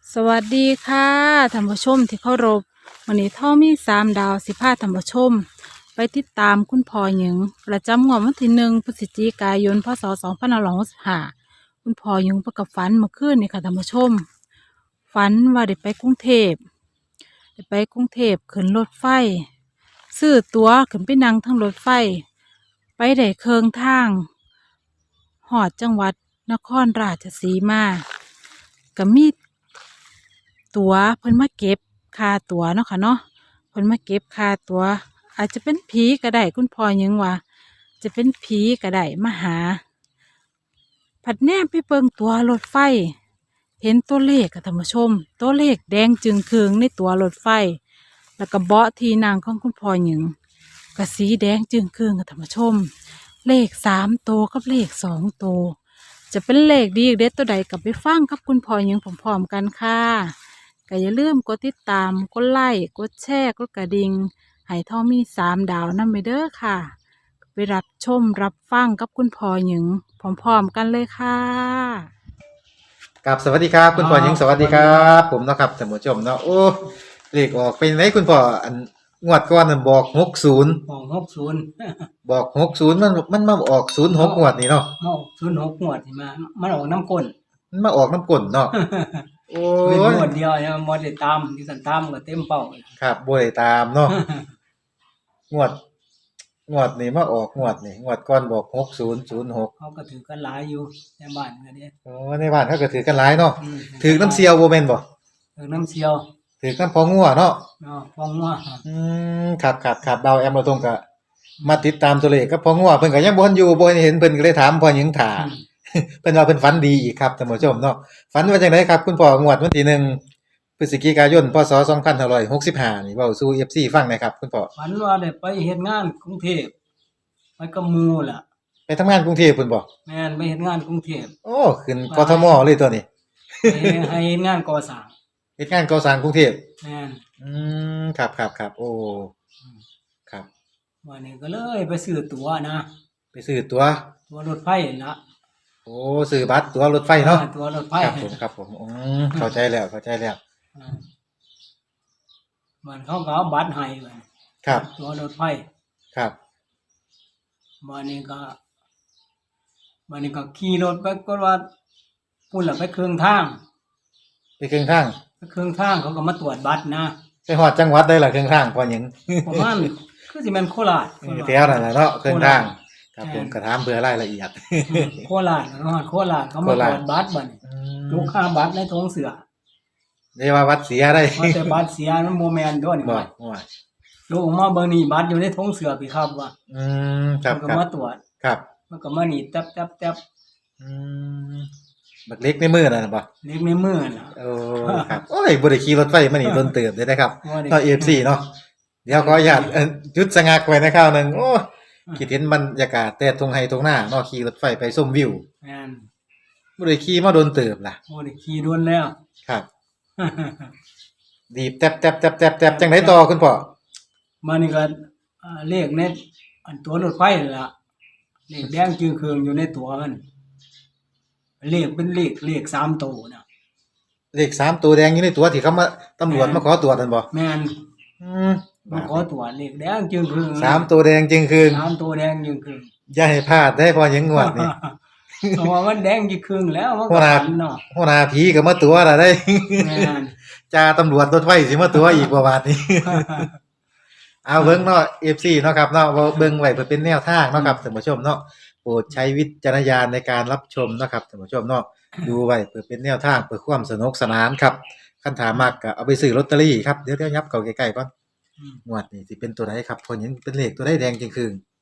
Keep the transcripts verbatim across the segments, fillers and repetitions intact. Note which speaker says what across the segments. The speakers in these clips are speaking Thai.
Speaker 1: สวัสดีค่ะท่านผู้ชมที่เคารพวันนี้ท่อมีสามดาวสิพาท่านผู้ชมไปติดตามคุณพ่อหญิงประจำงวดวันที่หนึ่งพฤศจิกายนพศสองพันห้าร้อยหกสิบห้าคุณพ่อหญิงประกับฝันเมื่อคืนนี่ค่ะท่านผู้ชมฝันว่าได้ไปกรุงเทพได้ไปกรุงเทพขึ้นรถไฟซื้อตั๋วขึ้นไปนั่งทั้งรถไฟไปได้เคืองทางหอดจังหวัดนครราชสีมาก็มี ตั๋วเพิ่นมาเก็บค่าตั๋วเนาะค่ะเนาะเพิ่นมาเก็บค่าตั๋วอาจจะเป็นผีก็ได้คุณพ่อยังว่าจะเป็นผีก็ได้มาหาผัดแนมไปเบิ่งตั๋วรถไฟเห็นตัวเลขค่ะท่านผู้ชมตัวเลขแดงจึงเคืองในตั๋วรถไฟแล้วก็เบาะที่นั่งของคุณพ่อหญิงก็สีแดงจึงเคืองค่ะท่านผู้ชมเลขสามตัวกับเลขสองตัวจะเป็นเลขดีเด็ดตัวใดกับไปฟังกับคุณพ่อหญิงพร้อมๆกันค่ะก็อย่าลืมกดติดตามกดไลค์กดแชร์กดกระดิ่งให้ท่อมีสามดาวนั่นไปเด้อค่ะไปรับชมรับฟังกับคุณพ่อหญิงพร้อมๆกันเลยค่ะ
Speaker 2: กับสวัสดีครับคุณพ่อหญิงสวัสดีครับผมเนาะครับท่านผู้ชมเนาะโอ้เลขออกเป็นไหนคุณพ่ออันงวดก่อนนั่นบอกหกศูนย์
Speaker 3: ของหกศูนย์
Speaker 2: บอกหกศูนย์มันมันมาออกศูนย์หกงวดนี่เนาะ
Speaker 3: มาออกศูนย์หกงวดที่มามันออกน้ำก้น
Speaker 2: มันมาออกน้ำก้นเนาะโอ้
Speaker 3: เป็น
Speaker 2: ย
Speaker 3: งวดเดียวเนี่ยมอได้ตามที่สันตามก็เต็มเป้า
Speaker 2: ครับบ่ได้ตามเนาะงวดงวดนี่มาออกงวดนี่งวดก่อนบอกหกศูนย์ศูนย์หก
Speaker 3: เขาก็ถือกันหลายอยู่ในบ้านก็เด้
Speaker 2: โอ้ในบ้านเขาก็ถือกันหลายเนาะ
Speaker 3: อืม
Speaker 2: ถือน้ำเสียวบ่แม่นบ่
Speaker 3: ถือน้ำเชียว
Speaker 2: ถือน้ำพองัวเนาะ
Speaker 3: เนาะฟองว่า
Speaker 2: อืมครับครับครับเบาแอมเราตรงก็มาติดตามตัวเลขกับพองัวเพิ่นก็ยังบ่ทันอยู่บ่เห็นเพิ่นก็เลยถามพ่อหญิงถ่า เพิ่นว่าเพิ่นฝันดีอีกครับท่านผู้ชมเนาะฝันว่าจังไดครับคุณพ่องวดวันที่หนึ่งพฤศจิกายนพศสองพันห้าร้อยหกสิบห้านี่เว้าสู่ เอฟ ซี ฟังหน่อยครับคุณพ่อ
Speaker 3: ฝันว่าได้ไปเฮ็ดงานกรุงเทพไปกับหมู่ล่ะ
Speaker 2: ไปทำงานกรุงเทพพุ่นบ่
Speaker 3: แม่นไปเฮ็ดงานกรุงเทพ
Speaker 2: โอ้ขึ้นกทมเลยตัวนี้
Speaker 3: ไปให้เฮ็ดงานก่อสร้าง
Speaker 2: เฮ็ดงานก่อสร้างกรุงเทพ
Speaker 3: แม่น
Speaker 2: อืมครับๆๆโอ้ครับ
Speaker 3: วันนี้ก็เลยไปซื้อตั๋วนะ
Speaker 2: ไปซื้อตั๋ว
Speaker 3: ตั๋วรถไฟนั่นล่ะ
Speaker 2: โอ้ซื้อบัตรตั๋วรถไฟเนาะ
Speaker 3: ออตั๋วรถไฟ
Speaker 2: ครับผมครับผมอืมเข้าใจแล้วเข้าใจแล้ว
Speaker 3: อ่ามันเขาก็เอาบัตรให้บัด
Speaker 2: ครับ
Speaker 3: ตัวรถไฟ
Speaker 2: ครับ
Speaker 3: วันนี้ก็วันนี้ก็ขี่รถไปก็ว่าพุ่นละไปเครื่องทาง
Speaker 2: ไปครึ่งทาง
Speaker 3: ไปเครื่องทางเขาก็มาตรวจบัตรนะ
Speaker 2: ไปฮอดจังหวัดได้ล่ะครึ่งทางพ่อหญิง
Speaker 3: ประมาณคือสิแม่นโคราช
Speaker 2: เออแถวนั่นแหละเนาะครึ่งทางครับผมกระถามเพื่อรายละเอียด
Speaker 3: อืมโคราชเนาะโคราชเขามาตรวจบัตรบัดนี้
Speaker 2: อืม
Speaker 3: ลูกค้าบัตรในทงเสือ
Speaker 2: เรียกว่าวัดเสียได้
Speaker 3: ว่าแต่บัตรเสียมันบ่แม่นด้วยนี่
Speaker 2: บ่
Speaker 3: ว่า
Speaker 2: ว่า
Speaker 3: ลูกออกมาเบิ่งนี่บัตรอยู่ในทงเสือพี่ครับว่า
Speaker 2: อืมครับ
Speaker 3: มันก็
Speaker 2: ครับ
Speaker 3: มาตรวจ
Speaker 2: ครับ
Speaker 3: มันก็มานี่แต๊บๆๆ
Speaker 2: อืมบักเล็กในมือนั่นน่ะบ่
Speaker 3: เล็กในมือน่ะ
Speaker 2: โอ้ครับโอ้ยบ่ได้ขี่รถไฟมานี่โดนเติบเลยนะครับ
Speaker 3: บ่ได้
Speaker 2: เนาะ เอฟ ซี เนาะเดี๋ยวขออนุญาตเอ่อหยุดสะงักไว้ในคราวหนึงโอ้คิดเห็นบรรยากาศแต่ทงไห้ทงหน้าเนาะขี่รถไฟไปชมวิว
Speaker 3: แม่น
Speaker 2: บ่ได้ขี่มาโดนเติบล่ะ
Speaker 3: บ่ได้ขี่ด่วนแล้ว
Speaker 2: ครับ ดีบแต๊บแต๊บแต๊บแต๊บแต๊บจังไดต่อคุณพ่อ
Speaker 3: มานี่ก็อ่าเลขในอันตัวรถไฟนั่นล่ะเลขแดงจึงเคืองอยู่ในตัวมันเลขเป็นเลขเลขสามตัวน่ะ
Speaker 2: เลขสามตัวแดงอยู่ในตัวที่เขามาตำรวจมาขอตรวจนั่นบ่
Speaker 3: แม่น
Speaker 2: อืม
Speaker 3: มาขอตรวจเลขแดงจึงเคือง
Speaker 2: สามตัวแดงจริงคือ
Speaker 3: สามตัวแดงจึงเคือง
Speaker 2: อย่าให้พลาดได้พอหยังงวดนี่
Speaker 3: เพราะว่ามันแดงจึงเคืองแล้วมัน
Speaker 2: หั
Speaker 3: ก็
Speaker 2: วหน้า
Speaker 3: ฝันเนาะ
Speaker 2: หัวหน้าผีก็มาตัวล่ะได้
Speaker 3: แม่น
Speaker 2: จ่าตำรวจรถไฟสิมาตัวอีกบ่บาดนี้ เอาเบิ่งเนาะ เอฟ ซี เนาะครับเนาะว่าเบิ่งไว้เพื่อเป็นแนวทางเนาะครับท่านผู้ชมเนาะโปรดใช้วิจารณญาณในการรับชมเนาะครับท่านผู้ชมเนาะดูไว้เพื่อเป็นแนวทางเพื่อความสนุกสนานครับคันถามมากก็เอาไปซื้อลอตเตอรี่ครับเดี๋ยวๆยับเข้าใกล้ๆก่อน
Speaker 3: อืม
Speaker 2: งวดนี้สิเป็นตัวใดครับเพอเห็นเป็นเลขตัวใดแดงจริงคือ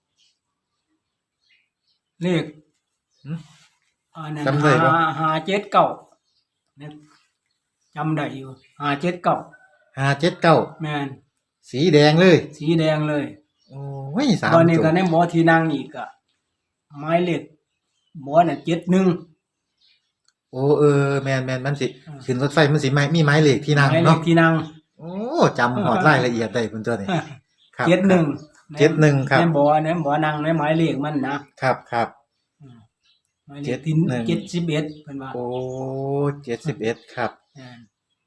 Speaker 3: เลข
Speaker 2: หืม
Speaker 3: อันนั้น
Speaker 2: จำได้ปะ
Speaker 3: ห้าห้าเจ็ดเก้าเนี่ยจำได้อยู่ห้าเจ็ดเก้า
Speaker 2: ห้าเจ็ดเก้า
Speaker 3: แม่น
Speaker 2: สีแดงเลย
Speaker 3: สีแดงเลย
Speaker 2: โอ้ยสาม
Speaker 3: ตอนนี้
Speaker 2: ตัว
Speaker 3: ก็ในหมอที่นั่งอีกอะไม้เล็กหมอน่ะเจ็ดหนึ่ง
Speaker 2: โอ้เออแม่นๆมันสิ
Speaker 3: อ่า
Speaker 2: ขึ้นรถไฟมันสิไม้มีไม้เลขที่นั่ง
Speaker 3: ไม้เล็
Speaker 2: เนาะ
Speaker 3: กที่นั่ง
Speaker 2: โอ้จำหอดรายละเอียดได้เพิ่นตัวนี้ครับ
Speaker 3: เจ็ดหนึ่ง
Speaker 2: เจ็ดหนึ่งครับ
Speaker 3: ในหมอในหมอนั่งในไม้เล็กมันนะครับ
Speaker 2: ครับ
Speaker 3: อืมไม้เล็กที่
Speaker 2: เจ็ดหนึ่ง
Speaker 3: เจ็ดสิบเอ็ดเป็นว่า
Speaker 2: โอ้เจ็ดสิบเอ็ดครับ
Speaker 3: อ่า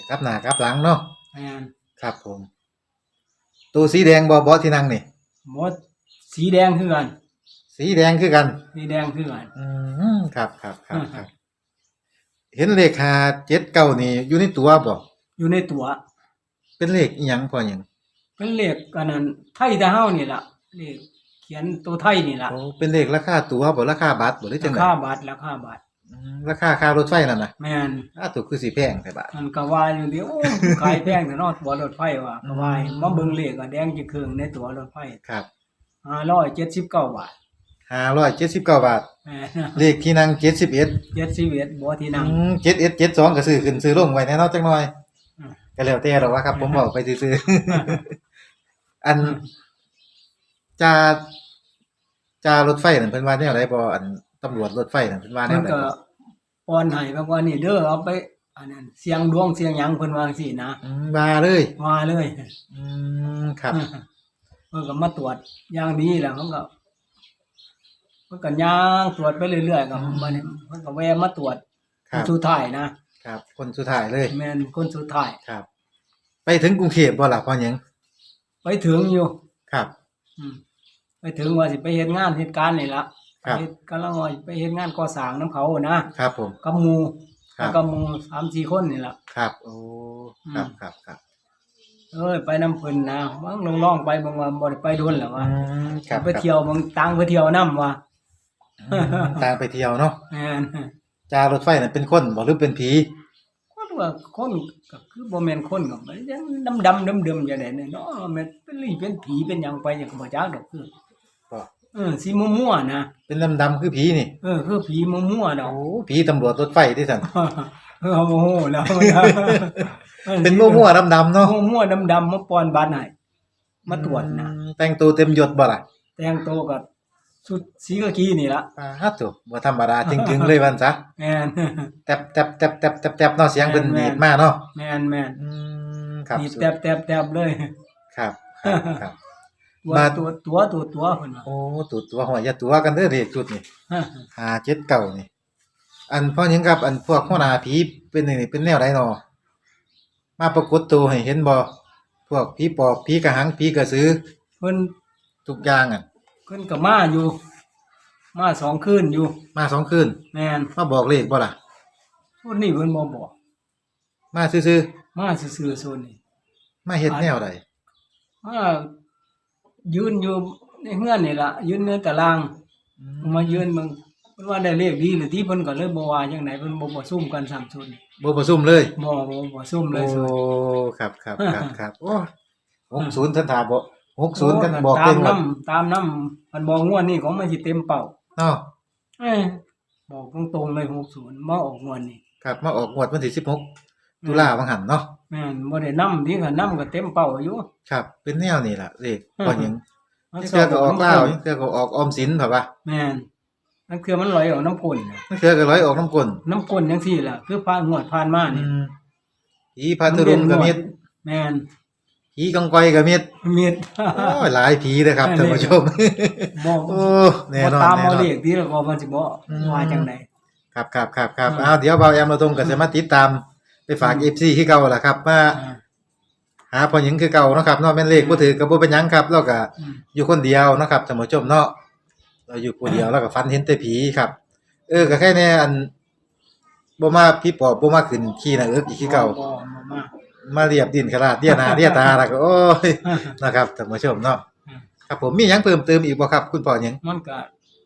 Speaker 2: กลับหน้ากลับหลังเนาะ
Speaker 3: แม่น
Speaker 2: ครับผมตัวสีแดงบ่บ่ที่นั่งนี่
Speaker 3: หมดสีแดงคือกัน
Speaker 2: สีแดงคือกัน
Speaker 3: สีแดงคือกัน
Speaker 2: อืมครับครับครับครับ เห็นเลขห้าเจ็ดเก้านี่อยู่ในตัวบ่
Speaker 3: อยู่ในตัว
Speaker 2: เป็นเลขอีหยังพอหยัง
Speaker 3: เป็นเลขอันนั้นไทยแต่เฮานี่ล่ะเลขเขียนตัวไทยนี่ล่ะ
Speaker 2: โอ้เป็นเลขราคาตั๋วบ่ราคาบัตรบ่หรือจั
Speaker 3: ราง
Speaker 2: ได๋
Speaker 3: คาบาทราคาบาท
Speaker 2: อืมราคาค่ารถไฟนั่นน่ะ
Speaker 3: แม่น
Speaker 2: อ้าถูกคือสิแพงแต่บาท
Speaker 3: มันก็ว่าอยู่เดียวโอ้ขายแพงแต่เนาะตัวรถไฟว่าก็ว่ามาเบิ่งเลขก็แดงจะครึ่งในตัวรถไฟ
Speaker 2: ครับ
Speaker 3: ห้าร้อยเจ็ดสิบเก้าบาท
Speaker 2: ห้าร้อยเจ็ดสิบเก้าบาท
Speaker 3: แม่น
Speaker 2: เลขที่นั่งเจ็ดสิบเอ็ด
Speaker 3: เจ็ดสิบเอ็ดบ่ที่นั่ง
Speaker 2: อืมเจ็ดเอ็ดเจ็ดสองก็ซื้อขึ้นซื้อลงไว้แน่เนาะจักหน่อย
Speaker 3: อืม
Speaker 2: ก็แล้วแต่ดอกว่าครับ ผมบอกไปซื่อๆ อันจาจารถไฟนั่นเพิ่นว่าแนวใดบ่อันตำรวจรถไฟนั่นเพิ่นว่าแน
Speaker 3: เพิ่
Speaker 2: วน ใด
Speaker 3: ก็
Speaker 2: บ่
Speaker 3: ป้อนให้บอกว่านี่เด้อเอาไปอันนั้นเสียงดวงเสียงหยังเพิ่นว่าจังซี่นะ
Speaker 2: อืมว่าเลย
Speaker 3: ว่าเลย
Speaker 2: อืมครับ
Speaker 3: เพิ่นก็มาตรวจอย่างนี้แหละเพิ่นก็เพิ่นก็ย่างตรวจไปเรื่อยๆก็บัดนี้เพิ่นก็แวะมาตรวจ
Speaker 2: ครับ
Speaker 3: สุดท้ายนะครับ
Speaker 2: คนสุดท้ายเลย
Speaker 3: แม่นคนสุดท้าย
Speaker 2: ครับ ไปถึงกรุงเทพบ่ล่ะพ่อหยัง
Speaker 3: ไปถึงอยู่
Speaker 2: ครับ
Speaker 3: อืมไปถึงว่าสิไปเฮ็ดงานเหตุการณ์นี่ล่ะ
Speaker 2: ครับ
Speaker 3: ไปกำลังว่าไปเฮ็ดงานก่อสร้างนํเขานะครับ
Speaker 2: ผม
Speaker 3: กับหมู่
Speaker 2: ครับ
Speaker 3: กับหมู่สามสี่คนนี่ล่ะ
Speaker 2: ครับ โอ้
Speaker 3: อืม
Speaker 2: ครับครับครับ
Speaker 3: เอ้ยไปนำเพิ่นนะบางลองๆไปบางว่าบ่ได้ไปโดนแล้ว
Speaker 2: อื
Speaker 3: ว่า
Speaker 2: มครับ
Speaker 3: ไปเที่ยวบางตังไปเที่ยวนํว่า
Speaker 2: อืมต่างไปเที่ยวเนาะ
Speaker 3: แม่น
Speaker 2: จารถไฟนั่นเป็นคนบ่หรือเป็นผี
Speaker 3: คนว่าคนก็คือบ่แม่นคนก็มันยังดำๆดำๆจังได๋เนี่ยเนาะแม่นเป็นลี่เป็นผีเป็นหยังไปจังก็บ่จักดอกคือ
Speaker 2: บ่
Speaker 3: เออสีมั่วๆนะ
Speaker 2: เป็นดำๆคือผีนี่
Speaker 3: เออคือผีมั่วๆดอก
Speaker 2: โอ้ผีตำรวจรถไฟที่สั่น
Speaker 3: เออโมโหแล้ว
Speaker 2: เป็นมั่วๆดำๆเนาะ
Speaker 3: มั่วๆดำๆมาป้อนบัตรให้มาตรวจนะ
Speaker 2: อืมแต่งตัวเต็มยศบ่ล่ะ
Speaker 3: แต่งตัวกับชุดสีกากีนี่ล่ะ
Speaker 2: ปาฮัดโตบ่ธรรมดาจริงๆเลยวันซะ
Speaker 3: แม่น
Speaker 2: แตบแตบแตบแตบแตบแตบเนาะเสียงเพิ่น
Speaker 3: แม่
Speaker 2: ดี
Speaker 3: น
Speaker 2: ดมาเนาะ
Speaker 3: แม่นแม่น
Speaker 2: อืมครับ
Speaker 3: นี่
Speaker 2: สุด
Speaker 3: แตบๆๆเลย
Speaker 2: ครับครับครับ
Speaker 3: ตัว
Speaker 2: มา
Speaker 3: ตัวตัวตัวตัวเพิ่นว่า
Speaker 2: โอ้ตัวตัวหัวอย่าตัวกันเด้อเด็กจุดนี่ห้าเจ็ดเก้านี่ อันพ่อหยังครับ อันพวกหัวหน้าผีเป็นนี่เป็นแนวใดเนาะมาปรากฏตัวให้เห็นบ่พวกผีปอบผีกระหังผีกระสือ
Speaker 3: เพิ่น
Speaker 2: ทุกอย่างอ่ะ
Speaker 3: เพิ่นก็มาอยู่ มาสองคืนอยู่
Speaker 2: มาสองคืน
Speaker 3: แม่น
Speaker 2: มาบอกเลขบ่ล่ะ
Speaker 3: ส่วนนี้เพิ่นบ่บอก
Speaker 2: มาซื่อ
Speaker 3: มาซื่อๆส่วนนี้
Speaker 2: ๆมาเฮ็ดแนวใด
Speaker 3: มายืนอยู่ในเฮือนนี่ล่ะยืนในตาราง
Speaker 2: อืม
Speaker 3: มายืนเบิ่งเพิ่นว่าได้เลขดีหรือที่เพิ่นก็เลยบ่ว่าจังไดเพิ่นบ่บ่ซุ่มกันสามส่วน
Speaker 2: บ่ประชุมเลย
Speaker 3: บ่บ่บ่ซุ่มเล
Speaker 2: โอ้
Speaker 3: ยส่วน
Speaker 2: ครับครับครับครับโอ้หกศูนย์ท่านถามบ่หกศูนย์กันบอก
Speaker 3: ตา
Speaker 2: เต็
Speaker 3: ม
Speaker 2: มหม
Speaker 3: นํ
Speaker 2: ด
Speaker 3: ตามนํมันบอกงวดนี้ของมันสิเต็มเป้า
Speaker 2: เนาะ
Speaker 3: เอ้ยบอกตรงๆเลยหกศูนย์มาออกงวดนี้
Speaker 2: ครับมาออกงวดวันที่สิบหกตุลาบังหันเนาะ
Speaker 3: แม่นบ่ได้นํที่ก็นํก็เต็มเป้าอยู่
Speaker 2: ครับ เป็นแนวนี่ล่ะเลขพอหยัง
Speaker 3: มัน
Speaker 2: นี่เทื่อก็ออกลาวนี่เทื่อก็ออกออมสินแบบว่า
Speaker 3: แม่นนั่นคือมันไหลออกน้ำก้นน่ะ
Speaker 2: นี่เทื่อก็ร้อยออกน้ำกลน
Speaker 3: น้ำก้นจังซี่ล่ะคือผ่านงวดผ่านมา
Speaker 2: อื
Speaker 3: นี่
Speaker 2: มผีพาทุรุงก็มี
Speaker 3: แม่น
Speaker 2: ผีกองกอยก็มี
Speaker 3: มี
Speaker 2: โอ้ยหลายผีเด้อครับท่านผู้ชม
Speaker 3: บ่
Speaker 2: โอ้แน่นอน
Speaker 3: บ่ตาม
Speaker 2: แน่
Speaker 3: เอา
Speaker 2: นอน
Speaker 3: เลขที่แล้วก็มันสิบ่
Speaker 2: อืม
Speaker 3: ว่าจังได
Speaker 2: ครับครับครับครับ
Speaker 3: อืม
Speaker 2: อ้าวเดี๋ยวเบาแอมเราตรงก็จะมาติดตามไปฝาก เอฟ ซี คือเก่าล่ะครับมา
Speaker 3: อ่า
Speaker 2: หาพ่อหญิงคือเก่าเนาะครับเนาะแม่นเลขบ่ถือก็บ่เป็นหยังครับเราก็
Speaker 3: อืม
Speaker 2: อยู่คนเดียวเนาะครับท่านผู้ชมเนาะเราอยู่คนเดียวแล้วก็ฝันเห็นแต่ผีครับ เออก็แค่แน่อันบ่มาพี่ปอบบ่มาขึ้นขี้หน้าเอิกอีกคือเก่า
Speaker 3: บ่บ่มา
Speaker 2: มาเรียบดินขลาดเดียหนาเดียตาแล้วก็โอ้ยนะครับท่านผู้ชมเนาะ
Speaker 3: อืม
Speaker 2: ครับผมมีหยังเพิ่มเติมอีกบ่ครับ คุณพ่อหยัง
Speaker 3: มันก็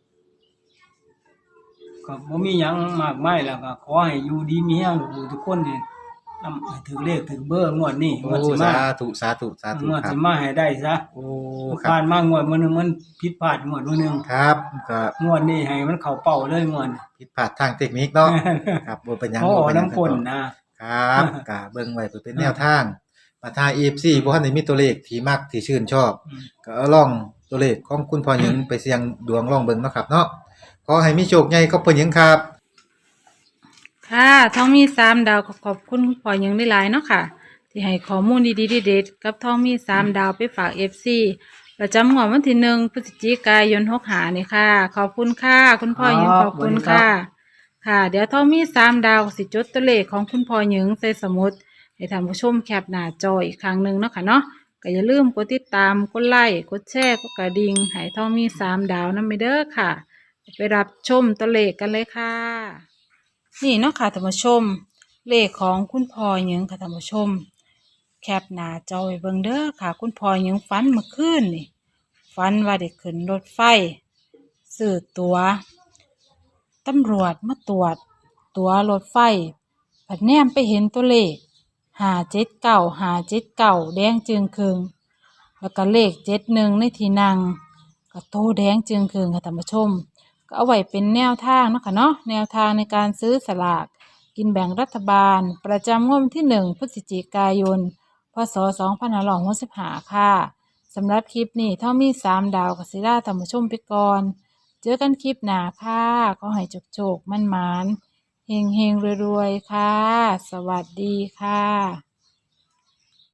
Speaker 3: ก็บ่มีหยังมากมายแล้วก็ขอให้อยู่ดีมีแรงทุกคนนี่นำให้ถึงเลขถึงเบอร์งวดนี้ง
Speaker 2: โอ้
Speaker 3: วดสิมา
Speaker 2: สาธุสาธุสาธุ
Speaker 3: งวด
Speaker 2: ครั
Speaker 3: สิ
Speaker 2: บ
Speaker 3: มาให้ได้ซะ
Speaker 2: โอ้ครั
Speaker 3: ผ่า
Speaker 2: บ
Speaker 3: นมางวดมื้อหนึงมันผิดพลาดงวดมื้อหนึง
Speaker 2: ครับก็
Speaker 3: งวดนี้ให้มันเข้าเป้าเลยงวดนี้
Speaker 2: ผิดพลาดทางเทคนิคเนาะครับบ่เป็นหยัง
Speaker 3: โอ้
Speaker 2: บ่เป็นหยัง
Speaker 3: น้ำก้นนะ
Speaker 2: ครับก็เบิ่งไว้เพื่อเป็นแนวทางมาทาง เอ เอฟ ซี บ่ทันได้มีตัวเลขที่มักที่ชื่นชอบ
Speaker 3: อืม
Speaker 2: ก็เอาลองตัวเลขของคุณพ่อหญิงไปเสี่ยงดวงลองเบิ่งเนาะครับเนาะขอให้มีโชคใหญ่กับพ่อหญิงครับ
Speaker 1: ค่ะท้องมีสามดาวก็ขอบคุณคุณพ่อหยังได้หลายๆเนาะค่ะ ที่ให้ข้อมูลดีๆเด็ดๆกับท้องมีสามดาวไปฝากเอฟซีประจำงวดวันที่หนึ่งพฤศจิกายนหกหานี่ค่ะ ขอบคุณค่ะ คุณพ่อหยังขอบคุณค่ะ ค่ะ เดี๋ยวท้องมีสามดาวสิจดตัวเลขของคุณพ่อหยังใส่สมุดให้ท่านผู้ชมแคปหน้าจออีกครั้งหนึ่งเนาะค่ะเนาะก็อย่าลืมกดติดตามกดไลค์กดแชร์กดกระดิ่งให้ท่องมีสามดาวนำไปเด้อค่ะไปรับชมตัวเลขกันเลยค่ะนี่เนาะค่ะท่านผู้ชมเลขของคุณพ่อหยังค่ะท่านผู้ชมแคปหน้าจอไว้เบิ่งเด้อค่ะคุณพ่อหยังฝันเมื่อคืนนี่ฝันว่าได้ขึ้นรถไฟซื้อตั๋วตำรวจมาตรวจตั๋วรถไฟผัดแนมไปเห็นตัวเลขห้าเจ็ดเก้าห้าเจ็ดเก้าแดงจึงครึงแล้วก็เลขเจ็ดหนึ่งในที่นั่งก็โตแดงจึงครึงค่ะท่านผู้ชมก็เอาไว้เป็นแนวทางเนาะค่ะเนาะแนวทางในการซื้อสลากกินแบ่งรัฐบาลประจำงวดวันที่หนึ่งพฤศจิกายนพศสองพันห้าร้อยหกสิบห้าค่ะสำหรับคลิปนี้เท่ามีสามดาวกับศิลาท่านผู้ชมไปก่อนเจอกันคลิปหน้าค่ะก็ให้โจกๆมั่นๆเฮงๆรวยๆค่ะสวัสดีค่ะ